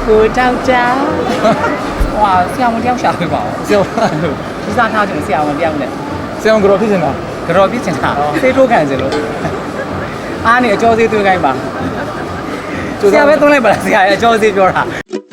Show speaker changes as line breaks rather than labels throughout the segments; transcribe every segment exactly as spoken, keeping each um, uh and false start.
ကိုတောက်တာဟွာဆရာဝန်တယောက်ရှာပေးပါဦးဆရာဝန်ဒီစားထားတယ်ဆရာဝန်တယောက်နဲ့ဆရာဝန်ကတော့ဖြစ်နေတာကတော့ဖြစ်နေတာသေထိုးခံစလို့အားနေအကျော်သေးသွင်းခိုင်းပါဆရာပဲသွင်းလိုက်ပါလားဆရာရဲ့အကျော်သေးပြောတာ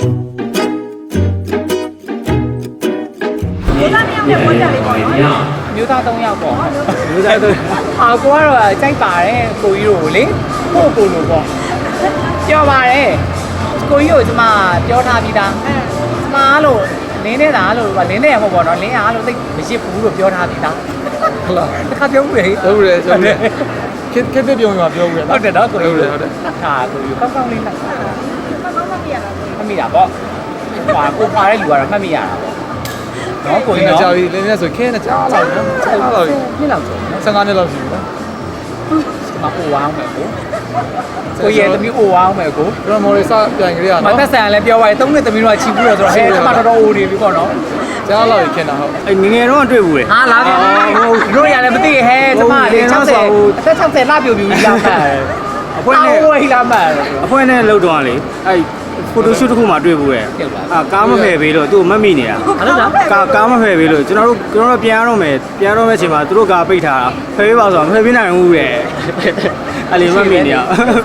မျိုးသား၃ယောက်ပေါ့မျိုးသား၃အာကိုကတော့ကြိုက်ပါတယ်ကိုကြီးတို့လေကိုကိုလိုပေါ့ပြောပါတယ်ကိုကြီးကိုကျမပြောထားပြီးသားကျမလို့လင်းနေတာလို့လင်းနေရမှာပေါ့နော်လင်းအားလို့သိမရစ်ဘူးလို့ပြောထားပြီးသားဟုတ်လားတစ်ခါပြောဦးလေဟုတ်တယ်ဆိုတော့ခက်ခက်ပြုံမှာပြောဦးလေဟုတ်တယ်တော့ကိုကြီးဟုတ်တယ်ဟာကိုကြီးကောင်းကောင်းလေးလားကောင်းကောင်းမှတ်မိရတာမှတ်မိတာပေါ့ဟာကိုဖားတဲ့လူကတော့မှတ်မိရတာပေါ့နော်ကိုကြီးနော်ကြာပြီလင်းနေဆိုခဲနဲ့ကြားလာတယ်ကြားလာတယ်နှစ်လောက်ကျော်နော်၁၅နှစ်လောက်ရှိပြီနော်မအိုဝအောင်မယ်ကိုကိုရဲ့သမီးအိုဝအောင်မယ်ကိုကျွန်တော်မော်ရီစပြန်ကြရနော်မသက်ဆိုင်လည်းပြောပါရဲ့သုံးနှစ်သမီးတို့ကချီဘူးတော့ဆိုတော့ဟဲ့အမတော်တော်အိုနေပြီပေါ့နော်ကြားလာပြီခင်တာဟုတ်အဲ့ငငယ်တော့တွေ့ဘူးလေဟာလာပြီဟုတ်တို့ရလည်းမသိဟဲ့ကျမလေး၆၀အသက်၆၀လပြိုပြူကြီးလာမှတ်အဖွဲနဲ့ဝေးလာမှတ်အဖွဲနဲ့လှုပ်တော့လေအဲ့ဖိုတိုရှူတစ်ခုမှတွေ့ဘူးရဲ့အာကားမဖယ်ပေးလို့သူ့မတ်မိနေတာဟုတ်လားကားကားမဖယ်ပေးလို့ကျွန်တော်တို့ကျွန်တော်တို့ပြန်ရတော့မယ်ပြန်ရတော့မယ့်အချိန်မှာသူတို့ကားပိတ်ထားတာဖယ်ပေးပါဆိုတော့မဖယ်ပေးနိုင်ဘူးရဲ့အဲ့လေမတ်မိနေတာ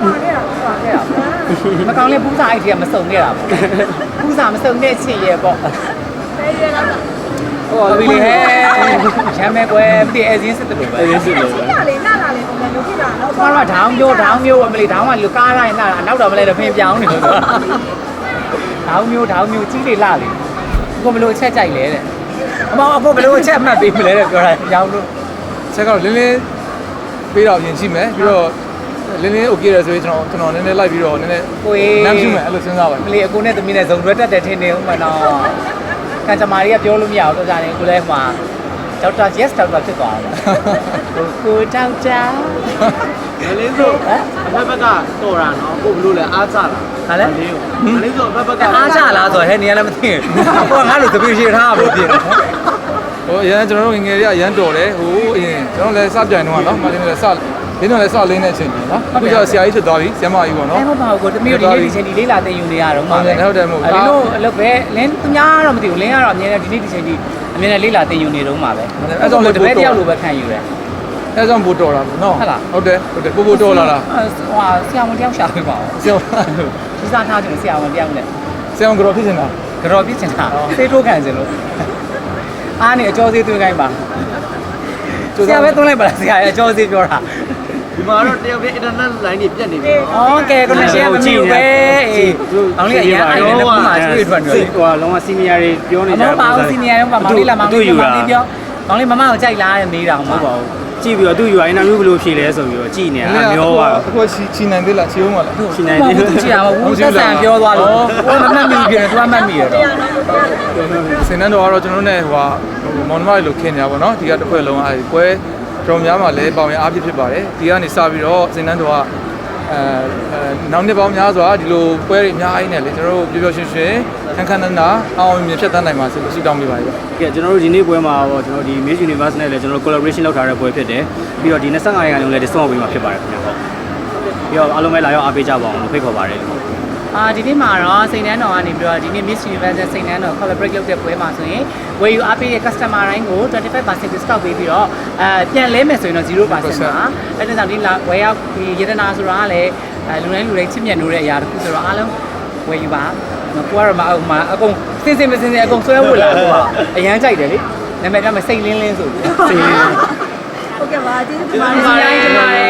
မကောင်းလဲပူးစာအိတ်တွေကမစုံခဲ့တာပေါ့ပူးစာမစုံတဲ့ချင်ရဲ့ပေါ့ဖယ်ရတော့ဟိုဘီလေဟဲ့ချမ်းမဲကွယ်ပြည့်အစင်းစစ်တယ်လို့ပဲအစင်းစစ်လို့ပဲနားလေနားလာလေပုံစံမျိုးဖြစ်လာတော့ဘာတော့ဒေါင်းမျိုးဒေါင်းမျိုးမလေးဒေါင်းကလူကားတိုင်းနားနောက်တော့မလဲတော့ဖင်ပြောင်းနေလို့ဆိုဒေါင်းမျိုးဒေါင်းမျိုးကြီးလေလှလေကိုမလို့အချက်ကြိုက်လဲတဲ့အမောအဖို့ဘလို့အချက်အမှတ်ပေးမလဲတဲ့ပြောတာရောင်းလို့ချက်ကတော့လင်းလင်းပေးတော့ရင်ရှိမယ်ပြီးတော့လင်းလင်းโอเคရဆိုရင်ကျွန်တော်ကျွန်တော်နည်းနည်းလိုက်ပြီးတော့နည်းနည်းကိုနမ်းပြမယ်အဲ့လိုစဉ်းစားပါမလေးအကိုနဲ့သမီးနဲ့ဇုံတွဲတက်တယ်ထင်နေဦးမနော်ကန်ကြမာရီကပြောလို့မရဘူးတော့ကြာနေကိုလည်းဟိုမှာဒေါက်တာ yes ဒေါက်တာဖြစ်သွားတယ်ကိုကိုဒေါက်တာမလေးဆိုအဖက်ဘက်ကတော်တာနော်ကိုဘလို့လဲအားချလာဟာလဲမလေးဆိုအဖက်ဘက်ကအားချလာဆိုဟဲ့နေရလည်းမသိဘူးကိုကငါ့လိုတပည့်ရှိထားဖို့ပြင်ဟိုအရင်ကျွန်တော်တို့ငငယ်လေးကအရန်တော်တယ်ဟိုအရင်ကျွန်တော်လည်းစပြိုင်တော့နော်မလေးလည်းစလင်းတော့လည်းစလင်းတဲ့အချိန်ကြီးနော်အခုကျတော့ဆရာကြီးဖြစ်သွားပြီဆရာမကြီးပေါ့နော်အဲ့မပါဘူးကိုတမီးတို့ဒီနေ့ဒီချိန်ဒီလေးလာတင်ယူနေရတော့မှာပဲဟုတ်တယ်မဟုတ်ဘူးလင်းတို့အလုပ်ပဲလင်းသူများတော့မသိဘူးလင်းကတော့အမြဲတမ်းဒီနေ့ဒီချိန်ဒီအမြဲတမ်းလေးလာတင်ယူနေတော့မှာပဲအဲ့ကြောင့်တပည့်တယောက်လိုပဲခံယူတယ်အဲ့ကြောင့်ပို့တော်တာပေါ့နော်ဟုတ်လားဟုတ်တယ်ဟုတ်တယ်ပို့ပို့တော်လာတာဟိုဆရာဝန်တယောက်ရှာပေးပါဦးဆရာဝန်ဒီစားထားတယ်ဆရာဝန်တယောက်နဲ့ဆရာဝန်ကတော့ဖြစ်နေတာကတော့ဖြစ်နေတာသေထိုးခံစလို့အားနေအကျော်သေးသွင်းခိုင်းပါဆရာပဲသွင်းလိုက်ပါလားဆရာရဲ့အကျော်သေးပြောတာဒီမှာတော့တယောက်ပြ internet line တွေပြတ်နေပြီ။အော်ကဲ connection မမြင်ဘူးပဲ။အေး။အောင်လေးအရင်အိုင်နဲ့ပုံမှန်ကျွေးထွက်နေတယ်။ဟိုကလုံးဝ senior တွေပြောနေကြတယ်။မဟုတ်ပါဘူး senior တွေမှာမောင်လေးလာမောင်လေးမောင်လေးပြော။မောင်လေးမမကိုကြိုက်လားတဲ့မေးတာဟိုမှာ။ဟုတ်ပါဘူး။ကြည့်ပြီးတော့သူ့ ယူ အိုင် interview ဘယ်လိုဖြေလဲဆိုပြီးတော့ကြည့်နေတာအမျိုးပါအခုချီချီနိုင်သေးလားချီအောင်မလားချီနိုင်သေးတယ်ချီရပါဘူးသက်ဆန်ပြောသွားလို့ဟိုမမှတ်မိပြန်သူကမှတ်မိရတော့စင်နန်းတော်ကတော့ကျွန်တော်နဲ့ဟိုမောင်နှမတွေလိုခင်နေတာပေါ့နော်ဒီကတစ်ခွက်လုံးအဲကွဲတော်များမှာလည်းပေါင်ရအားဖြစ်ဖြစ်ပါတယ်ဒီကနေစပြီးတော့စင်နန်းတော်ကအဲနောက်နှစ်ပေါင်းများစွာဒီလိုပွဲတွေအများကြီးနဲ့လေကျွန်တော်တို့ပျော်ပျော်ရွှင်ရွှင်ခန်းခန်းနာနာအောင်မြင်ဖြတ်သန်းနိုင်ပါစေလို့ဆုတောင်းပေးပါတယ်။ကဲကျွန်တော်တို့ဒီနေ့ပွဲမှာတော့ကျွန်တော်ဒီ Miss Universe နဲ့လည်းကျွန်တော်တို့ collaboration လုပ်ထားတဲ့ပွဲဖြစ်တယ်။ပြီးတော့ဒီ၂၅ရာခိုင်နှုန်းလည်း discount ပေးမှာဖြစ်ပါတယ်ခင်ဗျာ။ဟုတ်။ပြီးတော့အားလုံးပဲလာရောက်အားပေးကြပါအောင်လို့ဖိတ်ခေါ်ပါတယ်။အာဒီနေ့မှာတော့စိန်နှန်းတော်ကနေပြီးတော့ဒီနေ့ Miss Universe စိန်နှန်းတော် collaborate လုပ်တဲ့ပွဲမှာဆိုရင်ဝယ်ယူအားပေးတဲ့ customer တိုင်းကိုtwenty-five percent discount ပေးပြီးတော့အဲပြန်လဲမယ်ဆိုရင်တော့zero percent ပါ။အဲ့ဒါကြောင့်ဒီလာဝယ်ရောက်ဒီရတနာဆိုတာကလည်းလူတိုင်းလူတိုင်းချစ်မြတ်နိုးတဲ့အရာတစ်ခုဆိုတော့အားလုံးဝယ်ယူပါကိုကတော့မအောင်မအကုန်စင်စင်မစင်စင်အကုန်ဆွဲဝတ်လာတော့အရန်ကြိုက်တယ်လေနာမည်ကမစိတ်လင်းလင်းဆိုစိတ်လင်းဟုတ်ကဲ့ပါကျေးဇူးတင်ပါတယ်